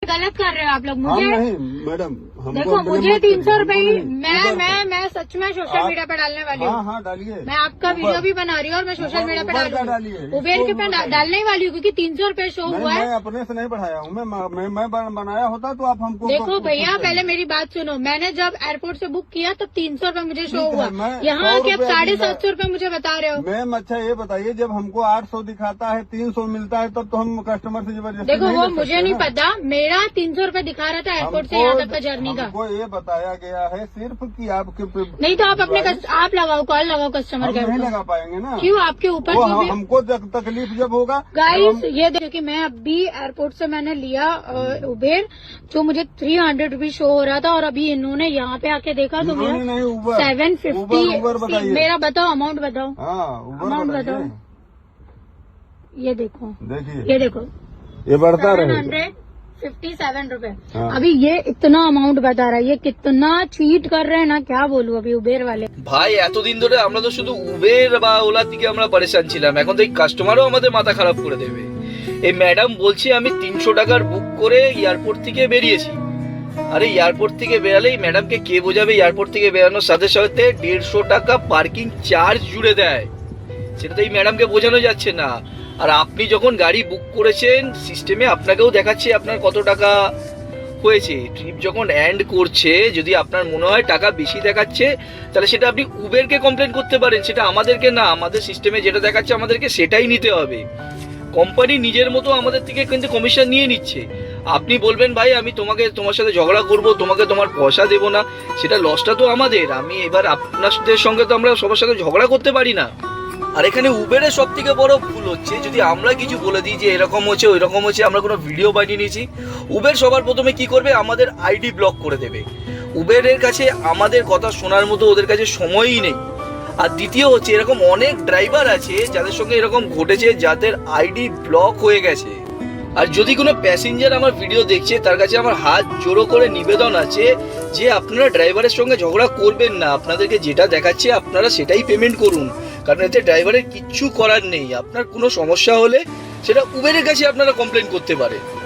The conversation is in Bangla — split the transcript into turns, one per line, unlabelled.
गलत कर रहे हो आप लोग। मुझे
नहीं मैडम,
देखो मुझे 300 रुपए ही मैं सच में सोशल मीडिया पे डालने वाली हूँ।
हाँ डालिए।
मैं आपका वीडियो भी बना रही हूँ और मैं सोशल मीडिया पे डालूंगी। उबेर के पे डालने ही वाली हूँ क्योंकि 300 रुपए शो हुआ है।
मैं अपने से नहीं बढ़ाया हूँ, मैं बनाया होता तो आप हमको।
देखो भैया पहले मेरी बात सुनो, मैंने जब एयरपोर्ट से बुक किया तब 300 रुपए मुझे शो हुआ, यहाँ के अब 750 रुपए मुझे बता रहे हो।
मैम अच्छा ये बताइए, जब हमको 800 दिखाता है 300 मिलता है तब तो हम कस्टमर से जबरदस्ती
देखो वो मुझे नहीं पता, मेरा 300 रुपए दिखा रहा था एयरपोर्ट से यहाँ तक का जर्नी का।
हमको ये बताया गया है सिर्फ कि आपके
नहीं तो आप अपने आप लगाओ, कॉल लगाओ कस्टमर केयर
नहीं
को।
लगा पाएंगे ना,
क्यों आपके ऊपर जो भी
हमको तकलीफ जब होगा।
गाइस ये देखो कि मैं अभी एयरपोर्ट से मैंने लिया उबेर, जो मुझे 300 रुपीज शो हो रहा था और अभी इन्होंने यहाँ पे आके देखा तो मेरा 750। मेरा बताओ अमाउंट बताओ। अमाउंट बताओ, ये देखो,
देखिए
ये देखो
ये बढ़ता रहे।
757 रुपए। अभी ये इतना अमाउंट बता रहा है, ये कितना चीट कर रहे हैं ना, क्या बोलूं अभी उबेर वाले।
ভাই এতদিন ধরে আমরা তো শুধু উবের বা ওলা থেকে আমরা পরেশান ছিলাম, এখন তো এই কাস্টমারও আমাদের মাথা খারাপ করে দেবে। এই ম্যাডাম বলছি আমি 300 টাকার বুক করে এয়ারপোর্ট থেকে বেরিয়েছি। আরে এয়ারপোর্ট থেকে বেরালেই ম্যাডামকে কে বোঝাবে, এয়ারপোর্ট থেকে বেরানোর সাথে সাথে 150 টাকা পার্কিং চার্জ জুড়ে দেয়, সেটা তো এই ম্যাডামকে বোঝানো যাচ্ছে না। আর আপনি যখন গাড়ি বুক করেছেন সিস্টেমে আপনাকেও দেখাচ্ছে আপনার কত টাকা হয়েছে। ট্রিপ যখন এন্ড করছে যদি আপনার মনে হয় টাকা বেশি দেখাচ্ছে তাহলে সেটা আপনি উবেরকে কমপ্লেন করতে পারেন, সেটা আমাদেরকে না। আমাদের সিস্টেমে যেটা দেখাচ্ছে আমাদেরকে সেটাই নিতে হবে। কোম্পানি নিজের মতো আমাদের থেকে কিন্তু কমিশন নিয়ে নিচ্ছে। আপনি বলবেন ভাই আমি তোমার সাথে ঝগড়া করব, তোমাকে তোমার পয়সা দেবো না, সেটা লসটা তো আমাদের। আমি এবার আপনাদের সঙ্গে তো আমরা সবার সাথে ঝগড়া করতে পারি না। আর এখানে উবেরের সব থেকে বড় ভুল হচ্ছে যদি আমরা কিছু বলে দিই যে এরকম হচ্ছে ওই রকম হচ্ছে, আমরা কোনো ভিডিও বানিয়ে নিয়েছি, উবের সবার প্রথমে কি করবে আমাদের আইডি ব্লক করে দেবে। উবেরের কাছে আমাদের কথা শোনার মতো ওদের কাছে সময়ই নেই। আর দ্বিতীয় হচ্ছে এরকম অনেক ড্রাইভার আছে যাদের সঙ্গে এরকম ঘটেছে, যাদের আইডি ব্লক হয়ে গেছে। আর যদি কোনো প্যাসেঞ্জার আমার ভিডিও দেখছে তার কাছে আমার হাত জোড়ো করে নিবেদন আছে যে আপনারা ড্রাইভারের সঙ্গে ঝগড়া করবেন না, আপনাদেরকে যেটা দেখাচ্ছে আপনারা সেটাই পেমেন্ট করুন, কারণ এতে ড্রাইভারের কিচ্ছু করার নেই। আপনার কোনো সমস্যা হলে সেটা উবেরের কাছে আপনারা কমপ্লেন করতে পারেন।